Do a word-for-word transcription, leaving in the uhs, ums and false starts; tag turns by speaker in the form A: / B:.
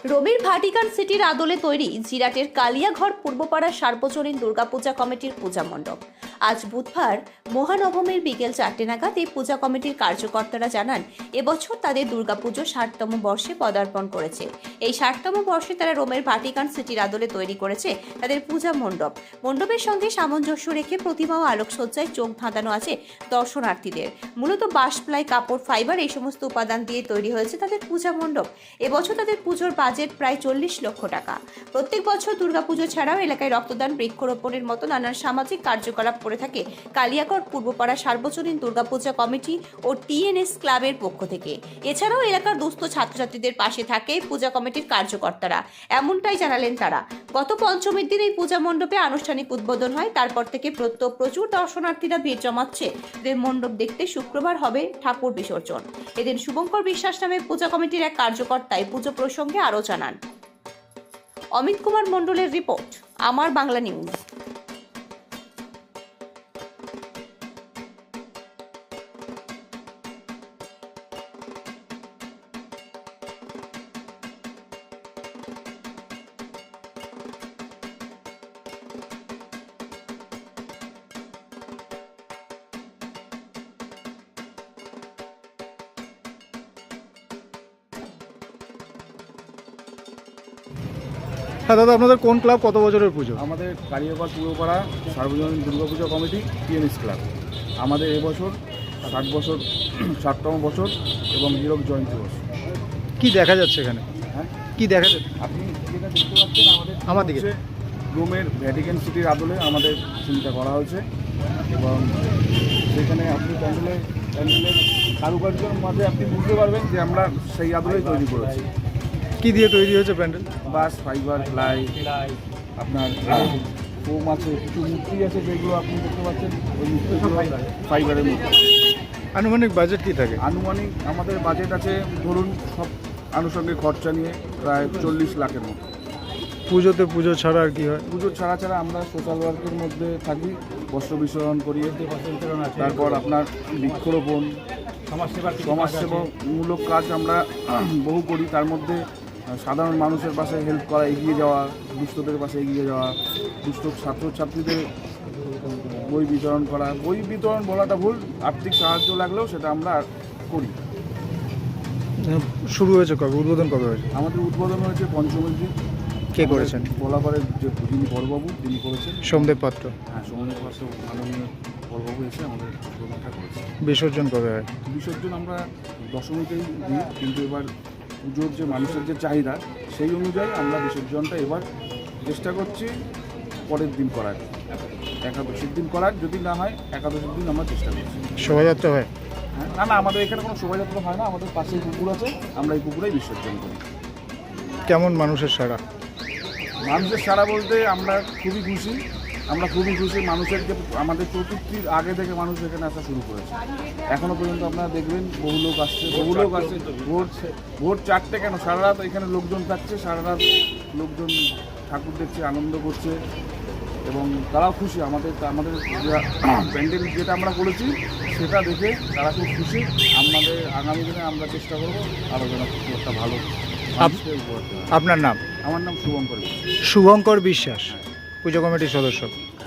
A: রোমের ভাটিকান সিটির আদলে তৈরি জিরাটের কালিয়াঘর পূর্বপাড়া সার্বজনীন দুর্গাপূজা কমিটির পূজা মণ্ডপ। আজ বুধবার মহানবমীর বিকেল চারটে নাগাদ এই পূজা কমিটির কার্যকর্তারা জানান, এবছর তাদের দুর্গাপুজো ষাটতম বর্ষে পদার্পণ করেছে। এই ষাটতম বর্ষে তারা রোমের ভাটিকান সিটির আদলে তৈরি করেছে তাদের পূজা মণ্ডপ। মণ্ডপের সঙ্গে সামঞ্জস্য রেখে প্রতিমা ও আলোকসজ্জায় চোখ ধাঁধানো আছে দর্শনার্থীদের। মূলত বাঁশ, প্লাই, কাপড়, ফাইবার এই সমস্ত উপাদান দিয়ে তৈরি হয়েছে তাদের পূজা মণ্ডপ। এবছর তাদের পুজোর বাজেট প্রায় চল্লিশ লক্ষ টাকা। প্রত্যেক বছর দুর্গাপুজো ছাড়াও এলাকায় রক্তদান, বৃক্ষরোপণের মতো নানান সামাজিক কার্যকলাপ করে থাকে কালিয়াঘর পূর্বপাড়া সার্বজনীন দুর্গাপূজা কমিটি ও টিএনএস ক্লাবের পক্ষ থেকে। এছাড়াও এলাকার দুস্থ ছাত্রছাত্রীদের পাশে থাকে পূজা কমিটির কার্যকর্তারা, এমনটাই জানালেন তারা। গত পঞ্চমীর দিন এই পূজা মণ্ডপে আনুষ্ঠানিক উদ্বোধন হয়। তারপর থেকে প্রত্যহ প্রচুর দর্শনার্থীরা ভিড় জমাচ্ছে এদের মণ্ডপ দেখতে। শুক্রবার হবে ঠাকুর বিসর্জন। এদিন শুভঙ্কর বিশ্বাস নামে পূজা কমিটির এক কার্যকর্তায় পুজো প্রসঙ্গে আরও জানান। অমিত কুমার মণ্ডলের রিপোর্ট, আমার বাংলা নিউজ।
B: হ্যাঁ দাদা, আপনাদের কোন ক্লাব, কত বছরের পুজো?
C: আমাদের কালিয়াঘর পূর্বপাড়া সার্বজনীন দুর্গাপূজা কমিটি টিএনএস ক্লাব। আমাদের এবছর ষাট বছর ষাটতম বছর এবং হীরক জয়ন্তী বছর।
B: কি দেখা যাচ্ছে এখানে?
C: হ্যাঁ,
B: কি দেখা যাচ্ছে?
C: আপনি যেটা দেখতে পাচ্ছেন আমাদের
B: আমার দিকে
C: হচ্ছে রোমের ভ্যাটিকান সিটির আদলে আমাদের চিন্তা করা হয়েছে এবং সেখানে আপনি প্যান্ডেলের প্যান্ডেলের কারুকার্যের মাঝে আপনি বুঝতে পারবেন যে আমরা সেই আদলেই তৈরি করেছি।
B: কি দিয়ে তৈরি হয়েছে প্যান্ডেল?
C: বাঁশ, ফাইবার, প্লাই, আপনার ফোম আছে, কিছু মূর্তি আছে যেগুলো আপনি দেখতে পাচ্ছেন, ওই মূর্তিগুলো ফাইবারের মূর্তি।
B: আনুমানিক বাজেট কি থাকে?
C: আনুমানিক আমাদের বাজেট আছে ধরুন সব আনুষঙ্গিক খরচা নিয়ে প্রায় চল্লিশ লাখের মতো।
B: পুজোতে পুজো ছাড়া আর কি হয়?
C: পুজো ছাড়া ছাড়া আমরা সোশ্যাল ওয়ার্কের মধ্যে থাকি, বস্ত্র বিতরণ করিয়ে, তারপর আপনার বৃক্ষরোপণ, সমাজসেবামূলক কাজ আমরা বহু করি। তার মধ্যে সাধারণ মানুষের পাশে হেল্প করা, এগিয়ে যাওয়া, দুস্থদের পাশে এগিয়ে যাওয়া, দুস্থ ছাত্রছাত্রীদের বই বিতরণ করা। বই বিতরণ বলাটা ভুল, আর্থিক সাহায্য লাগলেও সেটা আমরা করি।
B: শুরু হয়েছে কবে? উদ্বোধন কবে হয়েছে?
C: আমাদের উদ্বোধন হয়েছে পঞ্চমীর দিন।
B: কে করেছেন?
C: বলাপাড়ের যে যিনি বড়বাবু তিনি করেছেন,
B: সোমদেব পাত্র।
C: হ্যাঁ, সোমদেব পাত্র মাননীয় বড়বাবু এসে আমাদের উদ্বোধনটা করেছে।
B: বিসর্জন কবে হয়?
C: বিসর্জন আমরা দশমীতেই দিই, কিন্তু এবার পুজোর যে মানুষের যে চাহিদা সেই অনুযায়ী আমরা বিসর্জনটা এবার চেষ্টা করছি পরের দিন করার, একাদশীর দিন করার। যদি না হয় একাদশীর দিন আমরা চেষ্টা করছি।
B: শোভাযাত্রা হয়?
C: হ্যাঁ, না না, আমাদের এখানে কোনো শোভাযাত্রা হয় না। আমাদের পাশেই পুকুর আছে, আমরা এই পুকুরেই বিসর্জন করি।
B: কেমন মানুষের সাড়া?
C: মানুষের সাড়া বলতে আমরা খুবই খুশি, আমরা খুবই খুশি। মানুষের যে আমাদের চতুর্থীর আগে থেকে মানুষ এখানে আসা শুরু করেছে। এখনও পর্যন্ত আপনারা দেখবেন বহু লোক আসছে, বহু লোক আসছে। ভোর ভোর চারটে কেন, সারা রাত এখানে লোকজন থাকছে, সারা রাত লোকজন ঠাকুর দেখছে, আনন্দ করছে এবং তারাও খুশি। আমাদের আমাদের প্যান্ডেল যেটা আমরা করেছি সেটা দেখে তারা খুব খুশি। আমাদের আগামী দিনে আমরা চেষ্টা করবো আরও যেন একটা ভালো।
B: আপনার নাম?
C: আমার নাম শুভঙ্কর।
B: শুভঙ্কর বিশ্বাস, পুজো কমিটির সদস্য।